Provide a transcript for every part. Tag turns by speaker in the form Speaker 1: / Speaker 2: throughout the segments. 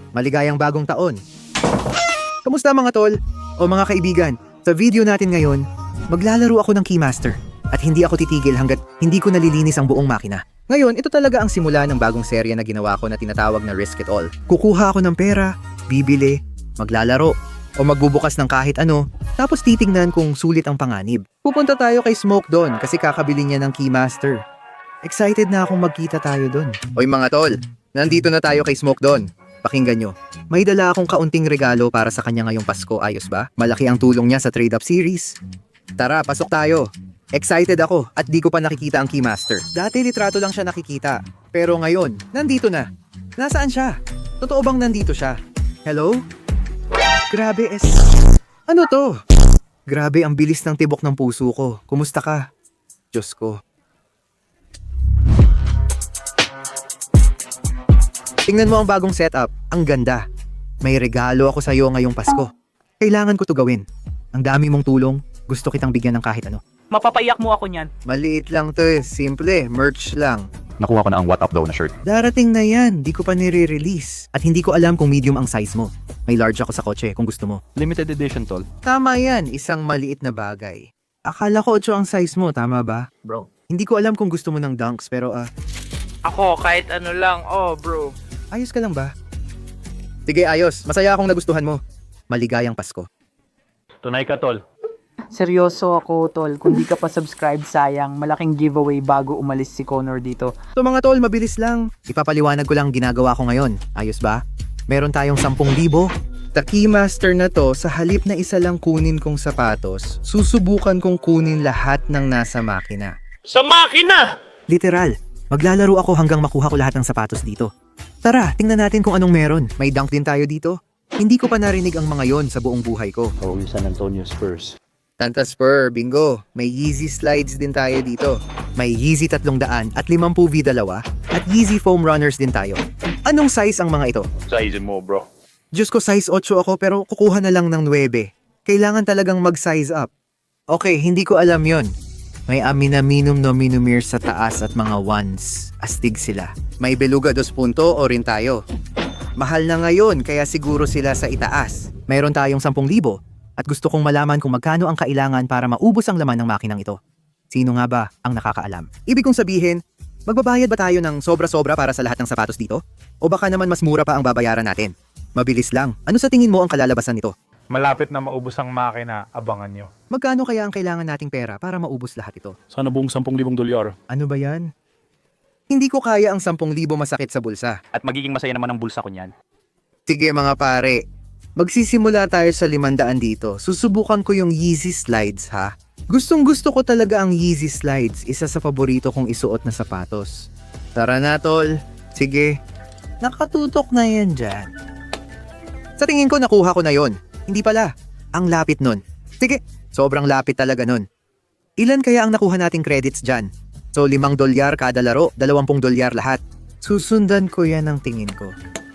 Speaker 1: Maligayang bagong taon. Kamusta mga tol? O mga kaibigan? Sa video natin ngayon, maglalaro ako ng Keymaster. At hindi ako titigil hanggat hindi ko nalilinis ang buong makina. Ngayon, ito talaga ang simula ng bagong serya na ginawa ko na tinatawag na Risk It All. Kukuha ako ng pera, bibili, maglalaro, o magbubukas ng kahit ano, tapos titignan kung sulit ang panganib. Pupunta tayo kay Smoke doon kasi kakabili niya ng Keymaster. Excited na akong magkita tayo doon. Oy mga tol, nandito na tayo kay Smoke doon. Pakinggan nyo. May dala akong kaunting regalo para sa kanya ngayong Pasko, ayos ba? Malaki ang tulong niya sa Trade Up Series. Tara, pasok tayo. Excited ako at di ko pa nakikita ang Keymaster. Dati litrato lang siya nakikita. Pero ngayon, nandito na. Nasaan siya? Totoo bang nandito siya? Hello? Grabe Ano to? Grabe ang bilis ng tibok ng puso ko. Kumusta ka? Diyos ko. Tingnan mo ang bagong setup. Ang ganda. May regalo ako sa'yo ngayong Pasko. Kailangan ko to gawin. Ang dami mong tulong. Gusto kitang bigyan ng kahit ano.
Speaker 2: Mapapaiyak mo ako niyan.
Speaker 1: Maliit lang to eh. Simple. Merch lang.
Speaker 3: Nakuha ko na ang what up daw na shirt.
Speaker 1: Darating na yan. Di ko pa nire-release. At hindi ko alam kung medium ang size mo. May large ako sa kotse kung gusto mo.
Speaker 3: Limited edition, tol.
Speaker 1: Tama yan. Isang maliit na bagay. Akala ko 8 ang size mo. Tama ba?
Speaker 2: Bro.
Speaker 1: Hindi ko alam kung gusto mo ng dunks pero
Speaker 2: Ako, kahit ano lang. Oh, bro.
Speaker 1: ayos ka lang ba? Sige, ayos. Masaya akong nagustuhan mo. Maligayang Pasko.
Speaker 3: Tunay ka, tol.
Speaker 2: Seryoso ako, tol. Kung di ka pa subscribe, sayang. Malaking giveaway bago umalis si Connor dito.
Speaker 1: So mga tol, mabilis lang. Ipapaliwanag ko lang ginagawa ko ngayon. Ayos ba? Meron tayong 10,000. Sa Keymaster na to, sa halip na isa lang kunin kong sapatos, susubukan kong kunin lahat ng nasa makina.
Speaker 4: Sa makina!
Speaker 1: Literal. Maglalaro ako hanggang makuha ko lahat ng sapatos dito. Tara, tingnan natin kung anong meron. May dunk din tayo dito. Hindi ko pa narinig ang mga yon sa buong buhay ko.
Speaker 3: Oh, yung San Antonio Spurs.
Speaker 1: Santa Spur, bingo. May Yeezy slides din tayo dito. May Yeezy 300 at 50 V2 at Yeezy foam runners din tayo. Anong size ang mga ito?
Speaker 4: Size mo, bro.
Speaker 1: Diyos ko, size 8 ako pero kukuha na lang ng 9. Kailangan talagang mag-size up. Okay, hindi ko alam yon. May Aminaminum Nominumir sa taas at mga ones. Astig sila. May Beluga 2 punto o rin tayo. Mahal na ngayon kaya siguro sila sa itaas. Mayroon tayong 10,000 at gusto kong malaman kung magkano ang kailangan para maubos ang laman ng makinang ito. Sino nga ba ang nakakaalam? Ibig kong sabihin, magbabayad ba tayo ng sobra-sobra para sa lahat ng sapatos dito? O baka naman mas mura pa ang babayaran natin? Mabilis lang. Ano sa tingin mo ang kalalabasan nito?
Speaker 5: Malapit na maubos ang makina, abangan nyo.
Speaker 1: Magkano kaya ang kailangan nating pera para maubos lahat ito?
Speaker 3: Sana buong 10,000 dolyar.
Speaker 1: Ano ba yan? Hindi ko kaya ang 10,000 masakit sa bulsa.
Speaker 2: At magiging masaya naman ang bulsa ko niyan.
Speaker 1: Sige mga pare, magsisimula tayo sa 500 dito. Susubukan ko yung Yeezy slides ha. Gustong gusto ko talaga ang Yeezy slides. Isa sa paborito kong isuot na sapatos. Tara na tol. Sige. Nakatutok na yan dyan. Sa tingin ko nakuha ko na yon. Hindi pala. Ang lapit nun. Sige. Sobrang lapit talaga nun. Ilan kaya ang nakuha nating credits dyan? So $5 kada laro, $20 lahat. Susundan ko yan ang tingin ko.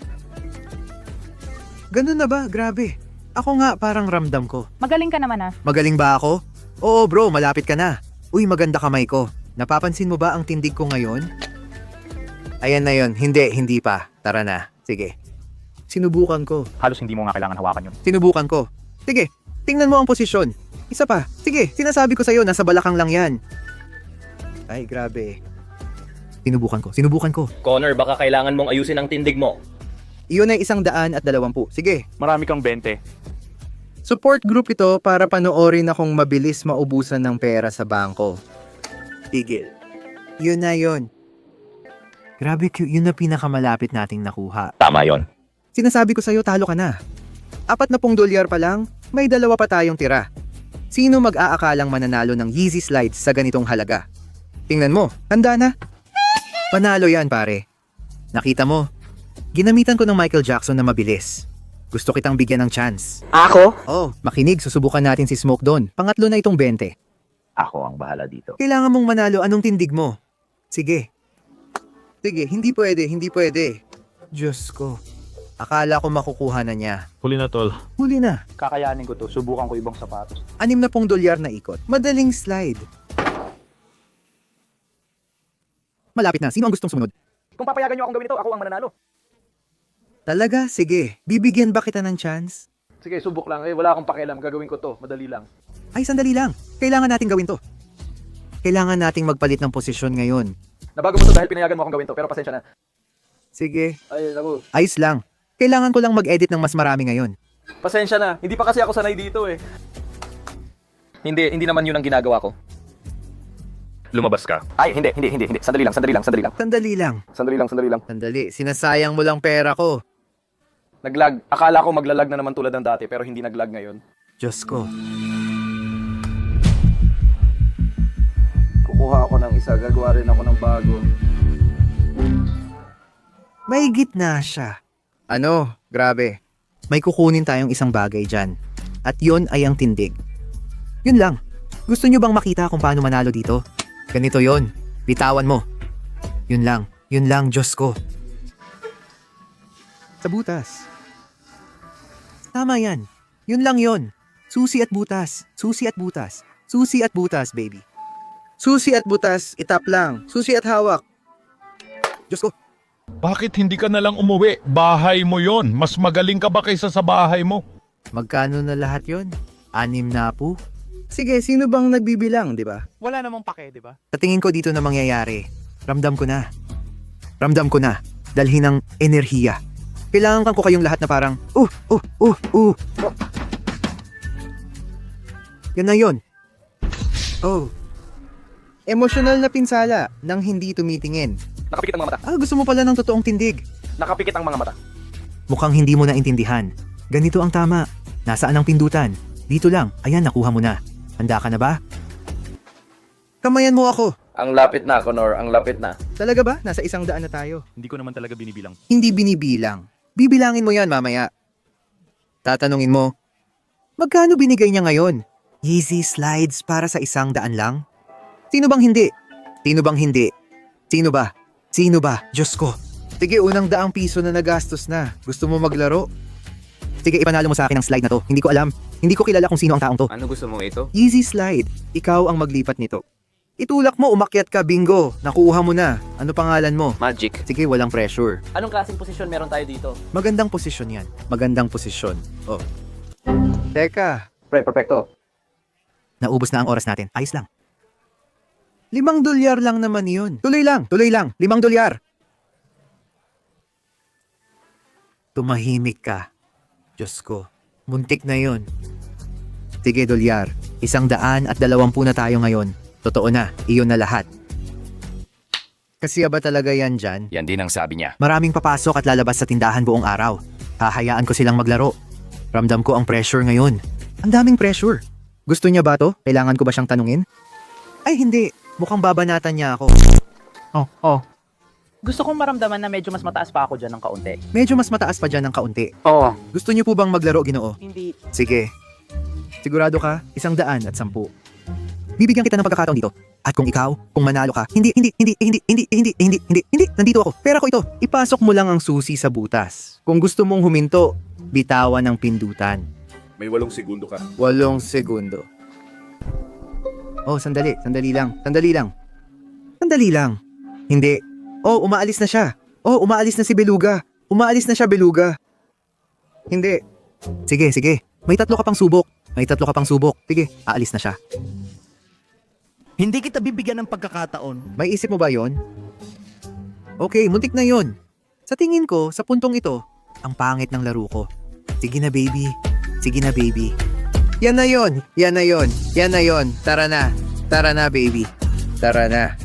Speaker 1: Ganun na ba? Grabe. Ako nga parang ramdam ko.
Speaker 6: Magaling ka naman
Speaker 1: Magaling ba ako? Oo bro, malapit ka na. Uy, maganda kamay ko. Napapansin mo ba ang tindig ko ngayon? Ayan na yon. Hindi pa. Tara na. Sige. Sinubukan ko.
Speaker 2: Halos hindi mo nga kailangan hawakan yun.
Speaker 1: Sinubukan ko. Sige, tingnan mo ang posisyon. Isa pa. Sige, sinasabi ko sa'yo, nasa balakang lang yan. Ay, grabe. Sinubukan ko.
Speaker 4: Connor, baka kailangan mong ayusin ang tindig mo.
Speaker 1: Iyon ay 120. Sige.
Speaker 5: Marami kang 20.
Speaker 1: Support group ito para panoorin akong mabilis maubusan ng pera sa bangko. Tigil. Yun na yun. Grabe, yun na pinakamalapit nating nakuha.
Speaker 4: Tama yon.
Speaker 1: Sinasabi ko sa'yo, talo ka na. $40 pa lang, may 2 pa tayong tira. Sino mag-aakalang mananalo ng Yeezy slides sa ganitong halaga? Tingnan mo, handa na. Panalo yan pare. Nakita mo, ginamitan ko ng Michael Jackson na mabilis. Gusto kitang bigyan ng chance.
Speaker 2: Ako?
Speaker 1: Oh, makinig, susubukan natin si Smoke doon. Pangatlo na itong 20.
Speaker 4: Ako ang bahala dito.
Speaker 1: Kailangan mong manalo, anong tindig mo? Sige. Sige, hindi pwede. Diyos ko. Akala ko makukuha na niya.
Speaker 5: Huli na, tol.
Speaker 1: Huli na.
Speaker 2: Kakayanin ko to. Subukan ko ibang sapatos.
Speaker 1: $60 na ikot. Madaling slide. Malapit na. Sino ang gustong sumunod?
Speaker 2: Kung papayagan nyo akong gawin ito, ako ang mananalo.
Speaker 1: Talaga? Sige. Bibigyan ba kita ng chance?
Speaker 6: Sige, subok lang. Wala akong pakialam. Gagawin ko to. Madali lang.
Speaker 1: Ay, sandali lang. Kailangan nating gawin to. Kailangan nating magpalit ng posisyon ngayon.
Speaker 6: Nabago mo to dahil pinayagan mo akong gawin to. Pero pasensya na.
Speaker 1: Sige.
Speaker 6: Ay, naku.
Speaker 1: Ayos lang. Kailangan ko lang mag-edit ng mas marami ngayon.
Speaker 6: Pasensya na. Hindi pa kasi ako sanay dito eh. Hindi naman yun ang ginagawa ko.
Speaker 4: Lumabas ka.
Speaker 6: Ay, hindi. Sandali lang.
Speaker 1: Sandali lang. Sandali. Sinasayang mo lang pera ko.
Speaker 6: Naglag. Akala ko maglalag na naman tulad ng dati, pero hindi naglag ngayon.
Speaker 1: Diyos ko.
Speaker 6: Kukuha ako ng isa, gagawa rin ako ng bago.
Speaker 1: May gitna siya. Ano? Grabe. May kukunin tayong isang bagay dyan. At yon ay ang tindig. Yun lang. Gusto nyo bang makita kung paano manalo dito? Ganito yon. Bitawan mo. Yun lang, Diyos ko. Sa butas. Tama yan. Yun lang yon. Susi at butas. Susi at butas. Susi at butas, baby. Susi at butas, itap lang. Susi at hawak. Diyos ko.
Speaker 7: Bakit hindi ka na lang umuwi? Bahay mo yon. Mas magaling ka ba kaysa sa bahay mo?
Speaker 1: Magkano na lahat yon? 6 na po? Sige, sino bang nagbibilang, di ba?
Speaker 5: Wala namang pake, di ba?
Speaker 1: Sa tingin ko dito na mangyayari. Ramdam ko na. Dalhin ng enerhiya. Kailangan ko kayong lahat na parang, Yan na yun. Oh. Emosyonal na pinsala nang hindi tumitingin.
Speaker 6: Nakapikit ang mga mata.
Speaker 1: Gusto mo pala ng totoong tindig.
Speaker 6: Nakapikit ang mga mata.
Speaker 1: Mukhang hindi mo naintindihan. Ganito ang tama. Nasaan ang pindutan? Dito lang. Ayan, nakuha mo na. Handa ka na ba? Kamayan mo ako.
Speaker 6: Ang lapit na, Connor. Ang lapit na.
Speaker 1: Talaga ba? Nasa 100 na tayo.
Speaker 3: Hindi ko naman talaga binibilang.
Speaker 1: Hindi binibilang. Bibilangin mo yan mamaya. Tatanungin mo, magkano binigay niya ngayon? Yeezy slides para sa 100 lang? Sino bang hindi? Sino ba? Diyos ko. Sige, unang ₱100 na nagastos na. Gusto mo maglaro? Sige, ipanalo mo sa akin ang slide na to. Hindi ko alam. Hindi ko kilala kung sino ang taong to.
Speaker 8: Ano gusto mong ito?
Speaker 1: Yeezy slide. Ikaw ang maglipat nito. Itulak mo, umakyat ka, bingo. Nakuha mo na. Ano pangalan mo?
Speaker 8: Magic.
Speaker 1: Sige, walang pressure.
Speaker 6: Anong klaseng posisyon meron tayo dito?
Speaker 1: Magandang posisyon yan. Magandang posisyon. Oh. Teka,
Speaker 6: Pre, perfecto.
Speaker 1: naubos na ang oras natin. Ayos lang. $5 lang naman yun. Tuloy lang. $5. Tumahimik ka. Diyos ko. Muntik na yun. Sige, $100. 120 na tayo ngayon. Totoo na. Iyon na lahat. Kasi ba talaga yan dyan?
Speaker 8: Yan din ang sabi niya.
Speaker 1: Maraming papasok at lalabas sa tindahan buong araw. Hahayaan ko silang maglaro. Ramdam ko ang pressure ngayon. Ang daming pressure. Gusto niya ba to? Kailangan ko ba siyang tanungin? Ay hindi. Mukhang babanatan niya ako.
Speaker 2: Gusto kong maramdaman na medyo mas mataas pa ako dyan ng kaunti.
Speaker 1: Medyo mas mataas pa dyan ng kaunti.
Speaker 2: Oo.
Speaker 1: Gusto niyo po bang maglaro, Ginoo?
Speaker 2: Hindi.
Speaker 1: Sige. Sigurado ka? 110. Bibigyan kita ng pagkakataon dito. At kung manalo ka, hindi, nandito ako. Pera ko ito. Ipasok mo lang ang susi sa butas. Kung gusto mong huminto, bitawan ng pindutan.
Speaker 9: May 8 segundo ka.
Speaker 1: 8 segundo. Oh, sandali lang. Hindi. Oh, umaalis na siya. Oh, umaalis na si Beluga. Hindi. Sige. May 3 ka pang subok. Sige, aalis na siya.
Speaker 10: Hindi kita bibigyan ng pagkakataon.
Speaker 1: May isip mo ba yon? Okay, muntik na yon. Sa tingin ko, sa puntong ito, ang pangit ng laro ko. Sige na, baby. Yan na yon. Tara na, baby. Tara na.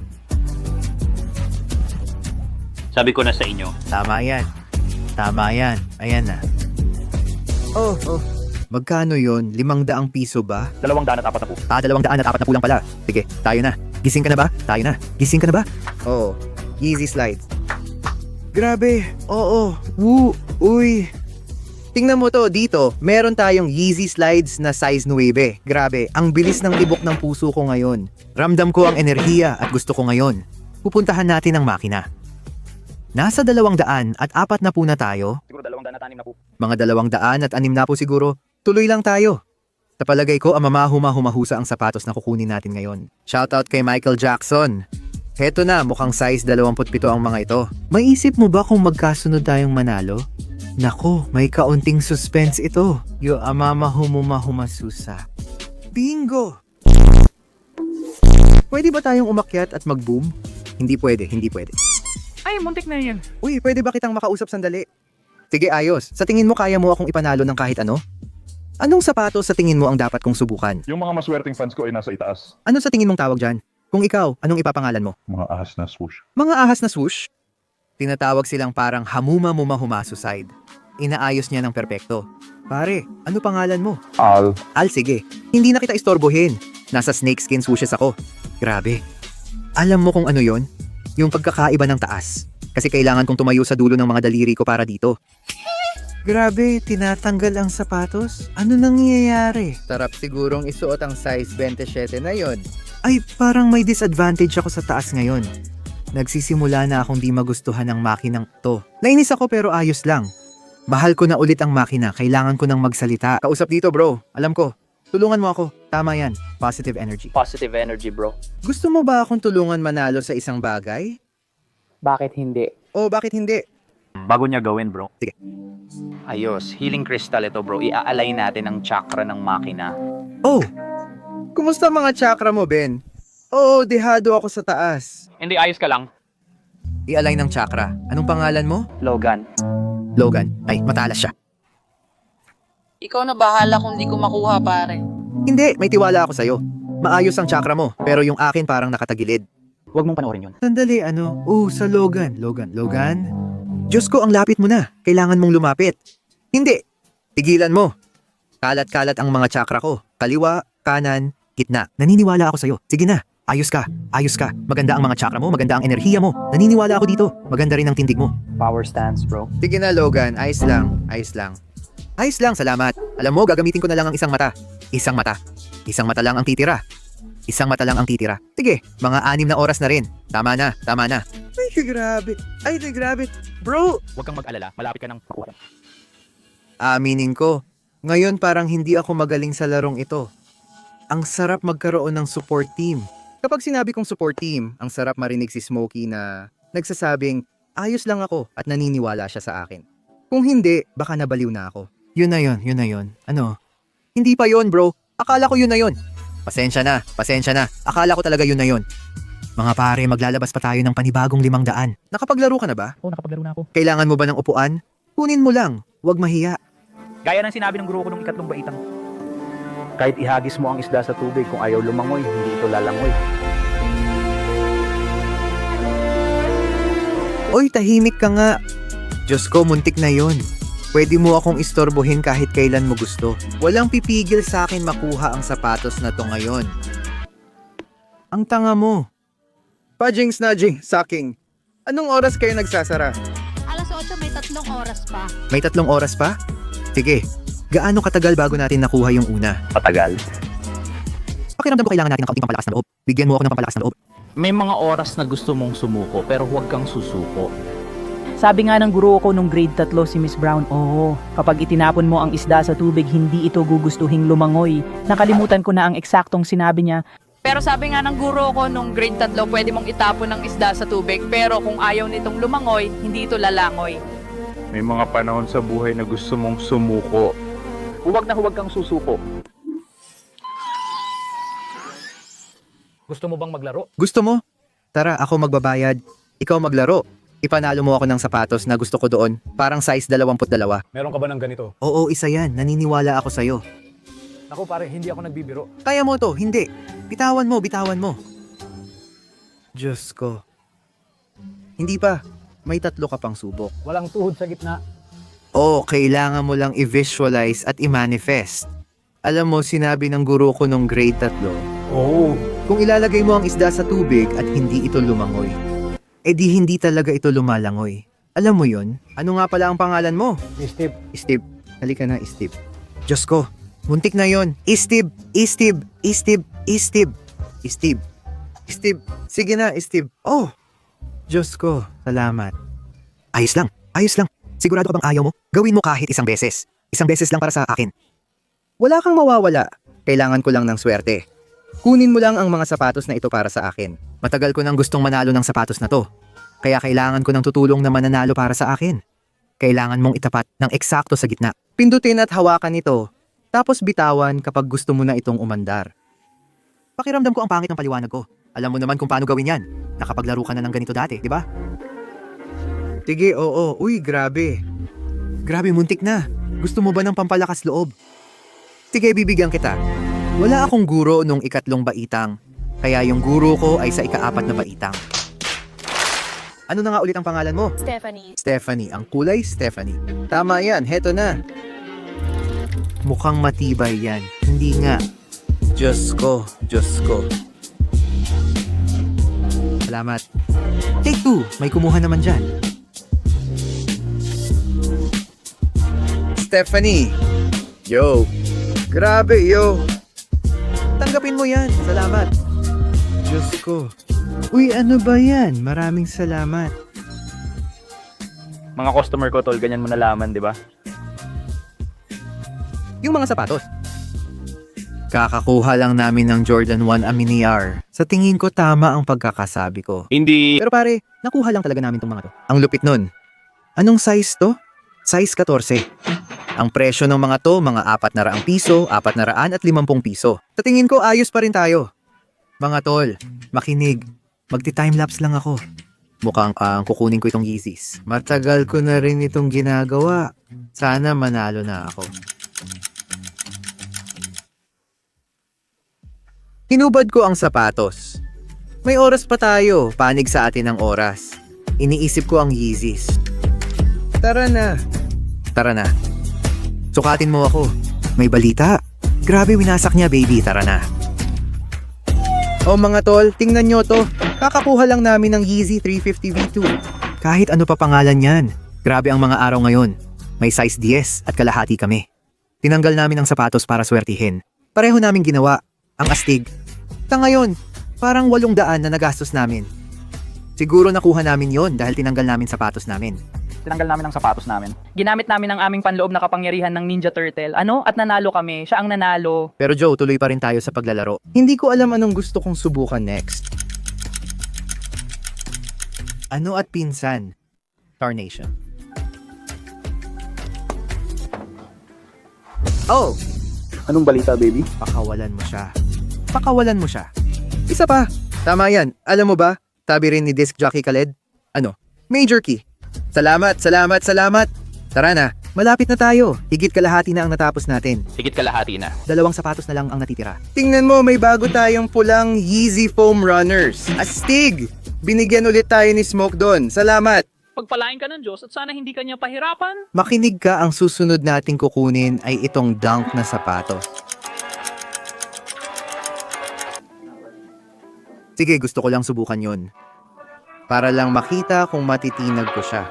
Speaker 3: Sabi ko na sa inyo.
Speaker 1: Tama yan. Ayan na. Oh. Magkano yon? 500 piso ba?
Speaker 3: 240 na po.
Speaker 1: 240 lang pala. Sige, tayo na. Gising ka na ba? Oo. Yeezy slides. Grabe. Oo. Woo. Uy. Tingnan mo to, dito, meron tayong Yeezy slides na size 9. Grabe, ang bilis ng tibok ng puso ko ngayon. Ramdam ko ang enerhiya at gusto ko ngayon. Pupuntahan natin ang makina. Nasa 200 at 4 na po na tayo.
Speaker 6: Siguro 200 at 6 na po.
Speaker 1: Mga 200 at 6 na po siguro. Tuloy lang tayo. Sa palagay ko, ang humahusa ang sapatos na kukunin natin ngayon. Shoutout kay Michael Jackson. Heto na, mukhang size 27 ang mga ito. Maisip mo ba kung magkasunod tayong manalo? Nako, may kaunting suspense ito. Yo amama humumahumasusa. Bingo! Pwede ba tayong umakyat at mag-boom? Hindi pwede, hindi pwede.
Speaker 2: Ay, muntik na yan.
Speaker 1: Uy, pwede ba kitang makausap sandali? Sige, ayos. Sa tingin mo kaya mo akong ipanalo ng kahit ano? Anong sapatos sa tingin mo ang dapat kong subukan?
Speaker 7: Yung mga maswerteng fans ko ay nasa itaas.
Speaker 1: Ano sa tingin mong tawag dyan? Kung ikaw, anong ipapangalan mo?
Speaker 7: Mga ahas na swoosh.
Speaker 1: Mga ahas na swoosh? Tinatawag silang parang hamuma-mumahuma-suicide. Inaayos niya ng perpekto. Pare, ano pangalan mo?
Speaker 7: Al.
Speaker 1: Al, sige. Hindi na kita istorbohin. Nasa snakeskin swooshes ako. Grabe. Alam mo kung ano yon? Yung pagkakaiba ng taas. Kasi kailangan kong tumayo sa dulo ng mga daliri ko para dito. Grabe, tinatanggal ang sapatos? Ano nangyayari? Sarap sigurong isuot ang size 27 na yon. Ay, parang may disadvantage ako sa taas ngayon. Nagsisimula na akong di magustuhan ng makinang to. Nainis ako pero ayos lang. Mahal ko na ulit ang makina, kailangan ko nang magsalita. Kausap dito bro, alam ko. Tulungan mo ako. Tama yan, positive energy.
Speaker 2: Positive energy, bro.
Speaker 1: Gusto mo ba akong tulungan manalo sa isang bagay?
Speaker 2: Bakit hindi?
Speaker 1: O bakit hindi?
Speaker 3: Bago niya gawin, bro.
Speaker 2: Ayos, healing crystal ito, bro. Ia-align natin ang chakra ng makina.
Speaker 1: Oh! Kumusta mga chakra mo, Ben? Oo, dehado ako sa taas.
Speaker 6: Hindi, ayos ka lang.
Speaker 1: I-align ng chakra. Anong pangalan mo?
Speaker 2: Logan.
Speaker 1: Logan. Ay, matalas siya.
Speaker 8: Ikaw na bahala kung di ko makuha, pare.
Speaker 1: Hindi, may tiwala ako sa'yo. Maayos ang chakra mo, pero yung akin parang nakatagilid.
Speaker 2: Huwag mong panoorin yun.
Speaker 1: Sandali, ano? Sa Logan. Logan? Diyos ko, ang lapit mo na. Kailangan mong lumapit. Hindi. Tigilan mo. Kalat-kalat ang mga chakra ko. Kaliwa, kanan, gitna. Naniniwala ako sa'yo. Sige na. Ayos ka. Maganda ang mga chakra mo, maganda ang enerhiya mo. Naniniwala ako dito. Maganda rin ang tindig mo.
Speaker 2: Power stance, bro.
Speaker 1: Sige na, Logan. Ayos lang. Salamat. Alam mo, gagamitin ko na lang ang isang mata. Isang mata lang ang titira. Sige, mga 6 na oras na rin. Tama na. Ay, grabe. Bro!
Speaker 6: Huwag kang mag-alala, malapit ka ng makuha.
Speaker 1: Aminin ko, ngayon parang hindi ako magaling sa larong ito. Ang sarap magkaroon ng support team. Kapag sinabi kong support team, ang sarap marinig si Smokey na nagsasabing, ayos lang ako at naniniwala siya sa akin. Kung hindi, baka nabaliw na ako. Yun na yun. Ano? Hindi pa yun, bro. Akala ko yun na yun. Pasensya na. Akala ko talaga yun na yun. Mga pare, maglalabas pa tayo ng panibagong 500. Nakapaglaro ka na ba?
Speaker 2: Oo, nakapaglaro na ako.
Speaker 1: Kailangan mo ba ng upuan? Kunin mo lang. Huwag mahiya.
Speaker 2: Gaya ng sinabi ng guro ko nung ikatlong baitang. Kahit ihagis mo ang isda sa tubig, kung ayaw lumangoy, hindi ito lalangoy.
Speaker 1: Oy, tahimik ka nga. Diyos ko, muntik na yon. Pwede mo akong istorbohin kahit kailan mo gusto. Walang pipigil sa akin makuha ang sapatos na to ngayon. Ang tanga mo. Pajing snudging, sucking. Anong oras kayo nagsasara?
Speaker 8: Alas 8, may 3 oras pa.
Speaker 1: May 3 oras pa? Sige, gaano katagal bago natin nakuha yung una?
Speaker 3: Patagal.
Speaker 1: Pakiramdam ko kailangan natin ng kaunting pampalakas ng loob. Bigyan mo ako ng pampalakas ng loob.
Speaker 9: May mga oras na gusto mong sumuko pero huwag kang susuko.
Speaker 2: Sabi nga ng guro ko nung grade 3 si Miss Brown, kapag itinapon mo ang isda sa tubig, hindi ito gugustuhing lumangoy. Nakalimutan ko na ang eksaktong sinabi niya.
Speaker 8: Pero sabi nga ng guro ko nung grade 3, pwede mong itapon ng isda sa tubig. Pero kung ayaw nitong lumangoy, hindi ito lalangoy.
Speaker 5: May mga panahon sa buhay na gusto mong sumuko.
Speaker 6: Huwag kang susuko. Gusto mo bang maglaro?
Speaker 1: Gusto mo? Tara, ako magbabayad. Ikaw maglaro. Ipanalo mo ako ng sapatos na gusto ko doon. Parang size 22.
Speaker 5: Meron ka ba ng ganito?
Speaker 1: Oo, isa yan. Naniniwala ako sa'yo.
Speaker 5: Ako pare, hindi ako nagbibiro.
Speaker 1: Kaya mo to, hindi. Bitawan mo. Diyos ko. Hindi pa. May 3 ka pang subok.
Speaker 5: Walang tuhod sa gitna.
Speaker 1: Oo, kailangan mo lang i-visualize at i-manifest. Alam mo, sinabi ng guro ko nung grade 3,
Speaker 5: Oo.
Speaker 1: kung ilalagay mo ang isda sa tubig at hindi ito lumangoy, edi hindi talaga ito lumalangoy. Alam mo yon? Ano nga pala ang pangalan mo?
Speaker 5: Steve.
Speaker 1: Steve. Halika na, Steve. Diyos ko, muntik na yon. Steve. Sige na, Steve. Oh! Diyos ko, salamat. Ayos lang. Sigurado ka bang ayaw mo? Gawin mo kahit isang beses. Isang beses lang para sa akin. Wala kang mawawala. Kailangan ko lang ng swerte. Kunin mo lang ang mga sapatos na ito para sa akin. Matagal ko nang gustong manalo ng sapatos na to. Kaya kailangan ko ng tutulong na mananalo para sa akin. Kailangan mong itapat ng eksakto sa gitna. Pindutin at hawakan ito, tapos bitawan kapag gusto mo na itong umandar. Pakiramdam ko ang pangit ng paliwanag ko. Alam mo naman kung paano gawin yan. Nakapaglaro ka na ng ganito dati, di ba? Sige, oo. Uy, grabe. Grabe, muntik na. Gusto mo ba ng pampalakas loob? Sige, bibigyan kita. Wala akong guro nung ikatlong baitang. Kaya yung guro ko ay sa ikaapat na baitang. Ano na nga ulit ang pangalan mo?
Speaker 8: Stephanie.
Speaker 1: Stephanie. Ang kulay, Stephanie. Tama yan, heto na. Mukhang matibay yan. Hindi nga. Diyos ko, Diyos ko. Salamat. Take 2. May kumuha naman dyan. Stephanie. Yo. Grabe, yo. Tanggapin mo yan. Salamat. Diyos ko. Uy, ano ba yan? Maraming salamat.
Speaker 3: Mga customer ko, tol, ganyan mo nalaman, di ba?
Speaker 1: Yung mga sapatos. Kakakuha lang namin ng Jordan 1 Aminiar. Sa tingin ko tama ang pagkakasabi ko.
Speaker 4: Hindi.
Speaker 1: Pero pare, nakuha lang talaga namin tong mga to. Ang lupit nun. Anong size to? Size 14. Ang presyo ng mga to, mga 400 piso, 450 piso. Sa tingin ko, ayos pa rin tayo. Mga tol, makinig. Magti-timelapse lang ako. Mukhang kukunin ko itong Yeezys. Matagal ko na rin itong ginagawa. Sana manalo na ako. Hinubad ko ang sapatos. May oras pa tayo, panig sa atin ang oras. Iniisip ko ang Yeezys. Tara na. Tara na. Sukatin mo ako. May balita. Grabe winasak niya, baby. Tara na. O mga tol, tingnan nyo to. Kakakuha lang namin ng Yeezy 350 V2. Kahit ano pa pangalan yan. Grabe ang mga araw ngayon. May size 10 at kalahati kami. Tinanggal namin ang sapatos para swertihin. Pareho namin ginawa. Ang astig. Ta ngayon, parang 800 na nagastos namin. Siguro nakuha namin yon dahil tinanggal namin sapatos namin.
Speaker 3: Tinanggal namin ang sapatos namin.
Speaker 2: Ginamit namin ang aming panloob na kapangyarihan ng Ninja Turtle. At nanalo kami. Siya ang nanalo.
Speaker 1: Pero Joe, tuloy pa rin tayo sa paglalaro. Hindi ko alam anong gusto kong subukan next. Ano at pinsan? Tarnation. Oh!
Speaker 3: Anong balita, baby?
Speaker 1: Pakawalan mo siya. Pakawalan mo siya. Isa pa. Tama yan. Alam mo ba, sabi rin ni Disc Jockey Khaled, Major Key. Salamat, salamat, salamat. Tara na. Malapit na tayo. Higit kalahati na ang natapos natin.
Speaker 3: Higit kalahati na.
Speaker 1: 2 sapatos na lang ang natitira. Tingnan mo, may bago tayong pulang Yeezy Foam Runners. Astig! Binigyan ulit tayo ni Smoke doon. Salamat!
Speaker 2: Pagpalain ka ng Diyos at sana hindi ka niya pahirapan.
Speaker 1: Makinig ka, ang susunod nating kukunin ay itong Dunk na sapatos. Sige, gusto ko lang subukan yon. Para lang makita kung matitinag ko siya.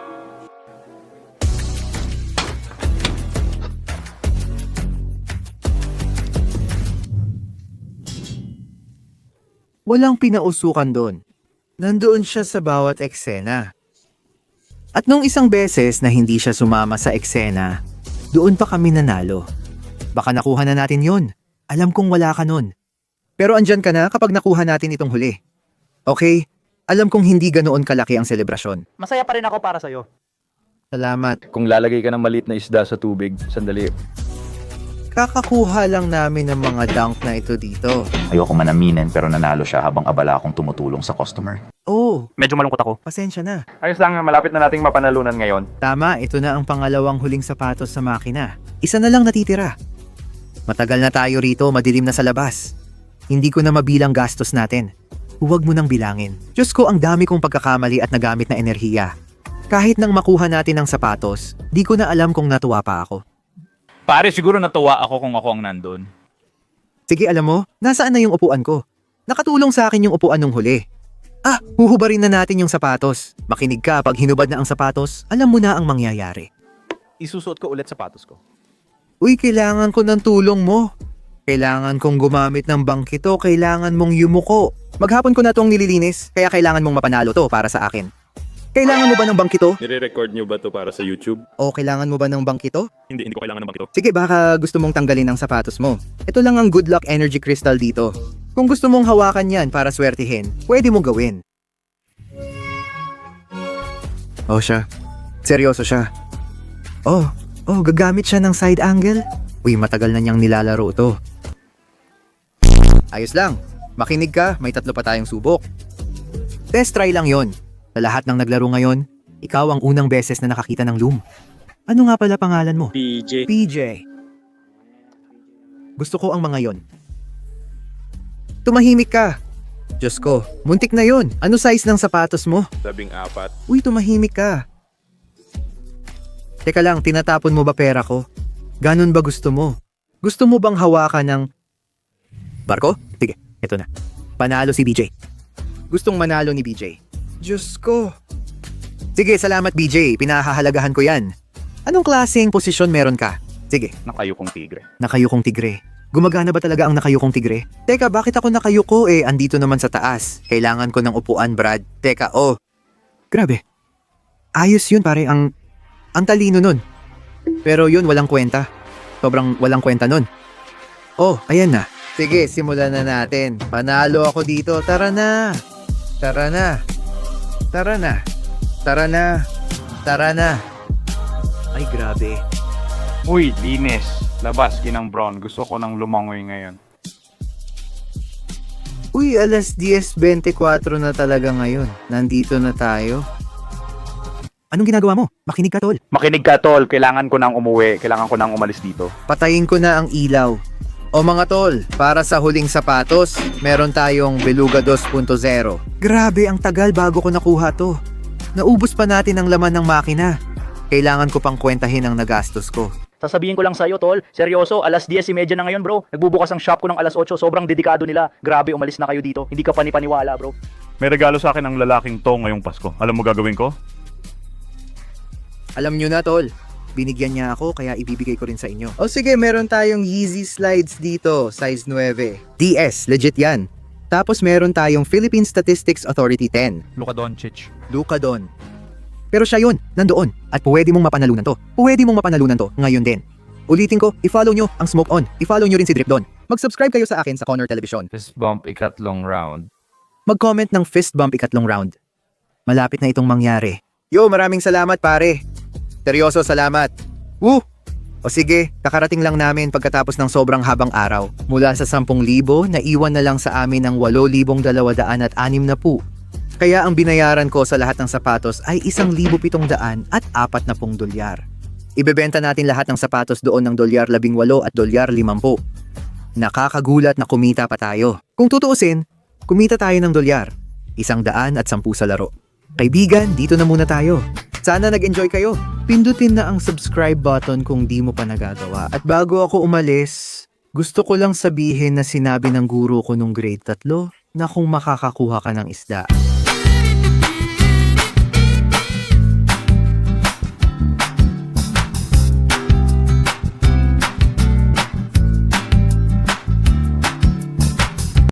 Speaker 1: Walang pinausukan doon. Nandoon siya sa bawat eksena. At nung isang beses na hindi siya sumama sa eksena, doon pa kami nanalo. Baka nakuha na natin yon. Alam kong wala ka nun. Pero andyan ka na kapag nakuha natin itong huli. Okay, alam kong hindi ganoon kalaki ang selebrasyon.
Speaker 2: Masaya pa rin ako para sa'yo.
Speaker 1: Salamat.
Speaker 6: Kung lalagay ka ng maliit na isda sa tubig, sandali.
Speaker 1: Kakakuha lang namin ng mga dunk na ito dito.
Speaker 9: Ayoko man aminin pero nanalo siya habang abala akong tumutulong sa customer.
Speaker 1: Oh,
Speaker 3: Medyo malungkot ako.
Speaker 1: pasensya na.
Speaker 4: Ayos lang, malapit na nating mapanalunan ngayon.
Speaker 1: Tama, ito na ang pangalawang huling sapatos sa makina. Isa na lang natitira. Matagal na tayo rito, madilim na sa labas. Hindi ko na mabilang gastos natin. Huwag mo nang bilangin. Diyos ko, ang dami kong pagkakamali at nagamit na enerhiya. Kahit nang makuha natin ang sapatos, di ko na alam kung natuwa pa ako.
Speaker 3: Pare, siguro natuwa ako kung ako ang nandun.
Speaker 1: Sige, alam mo, nasaan na yung upuan ko? Nakatulong sa akin yung upuan nung huli. Huhubarin na natin yung sapatos. Makinig ka, pag hinubad na ang sapatos, alam mo na ang mangyayari.
Speaker 6: Isusuot ko ulit sapatos ko.
Speaker 1: Uy, kailangan ko ng tulong mo. Kailangan kong gumamit ng bangkito, kailangan mong yumuko. Maghapon ko na itong nililinis, kaya kailangan mong mapanalo to para sa akin. Kailangan mo ba ng bangkito?
Speaker 4: Nire-record nyo ba to para sa YouTube?
Speaker 1: O kailangan mo ba ng bangkito?
Speaker 4: Hindi ko kailangan ng bakito.
Speaker 1: Sige, baka gusto mong tanggalin ang sapatos mo. Ito lang ang Good Luck Energy Crystal dito. Kung gusto mong hawakan yan para swertihin, pwede mong gawin. Oh, siya. Seryoso siya. Oh, gagamit siya ng side angle? Uy, matagal na niyang nilalaro to. Ayos lang. Makinig ka, may 3 pa tayong subok. Test try lang yon. Sa lahat ng naglaro ngayon, ikaw ang unang beses na nakakita ng loom. Ano nga pala pangalan mo? PJ. Gusto ko ang mga yon. Tumahimik ka. Diyos ko, muntik na yon. Ano size ng sapatos mo?
Speaker 4: 14.
Speaker 1: Uy, tumahimik ka. Teka lang, tinatapon mo ba pera ko? Ganon ba gusto mo? Gusto mo bang hawakan ng... Barko? Sige, eto na. Panalo si BJ. Gustong manalo ni BJ. Diyos ko. Sige, salamat BJ. Pinahahalagahan ko yan. Anong klaseng posisyon meron ka? Sige,
Speaker 3: Nakayukong tigre.
Speaker 1: nakayukong tigre. Gumagana ba talaga ang nakayukong tigre? Teka, bakit ako nakayuko andito naman sa taas? Kailangan ko ng upuan, Brad. Teka, Grabe. Ayos yun, pare. Ang talino nun. Pero yun, walang kwenta. Sobrang walang kwenta nun. Ayan na. Sige, simulan na natin. Panalo ako dito. Tara na. Tara na. Tara na. Tara na. Tara na. Ay, grabe.
Speaker 5: Uy, linis. Labas, ginang brown. Gusto ko ng lumangoy ngayon.
Speaker 1: Uy, alas 10:24 na talaga ngayon. Nandito na tayo. Anong ginagawa mo? Makinig ka, tol.
Speaker 3: Makinig ka, tol. Kailangan ko nang umuwi. Kailangan ko nang umalis dito.
Speaker 1: Patayin ko na ang ilaw. O mga tol, para sa huling sapatos, meron tayong Beluga 2.0. Grabe, ang tagal bago ko nakuha to. Naubos pa natin ang laman ng makina. Kailangan ko pang kwentahin ang nagastos ko.
Speaker 9: Sasabihin ko lang sa'yo, tol, seryoso, alas 10:30 na ngayon, bro. Nagbubukas ang shop ko ng alas 8, sobrang dedikado nila. Grabe, umalis na kayo dito. Hindi ka panipaniwala, bro.
Speaker 5: May regalo sa akin ng lalaking to ngayong Pasko. Alam mo gagawin ko?
Speaker 1: Alam nyo na, tol. Binigyan niya ako kaya ibibigay ko rin sa inyo. O sige, meron tayong Yeezy slides dito, size 9. DS, legit yan. Tapos meron tayong Philippine Statistics Authority 10.
Speaker 3: Luka Doncic.
Speaker 1: Luka Don. Pero siya yun, nandoon. At pwede mong mapanalunan to. Pwede mong mapanalunan to ngayon din. Ulitin ko, i-follow nyo ang Smoke On. I-follow nyo rin si Drip Don. Mag-subscribe kayo sa akin sa Connor Television.
Speaker 3: Fist bump, ikatlong round.
Speaker 1: Mag-comment ng fist bump ikatlong round. Malapit na itong mangyari. Yo, maraming salamat pare. Seryoso, salamat. Woo! O sige, kakarating lang namin pagkatapos ng sobrang habang araw. Mula sa 10,000, naiwan na lang sa amin ng 8,260. Kaya ang binayaran ko sa lahat ng sapatos ay 1,740 dolyar. Ibebenta natin lahat ng sapatos doon ng $18 at $50. Nakakagulat na kumita pa tayo. Kung tutuusin, kumita tayo ng $100, 110 sa laro. Kaibigan, dito na muna tayo. Sana nag-enjoy kayo. Pindutin na ang subscribe button kung di mo pa nagagawa. At bago ako umalis, gusto ko lang sabihin na sinabi ng guro ko nung grade 3 na kung makakakuha ka ng isda,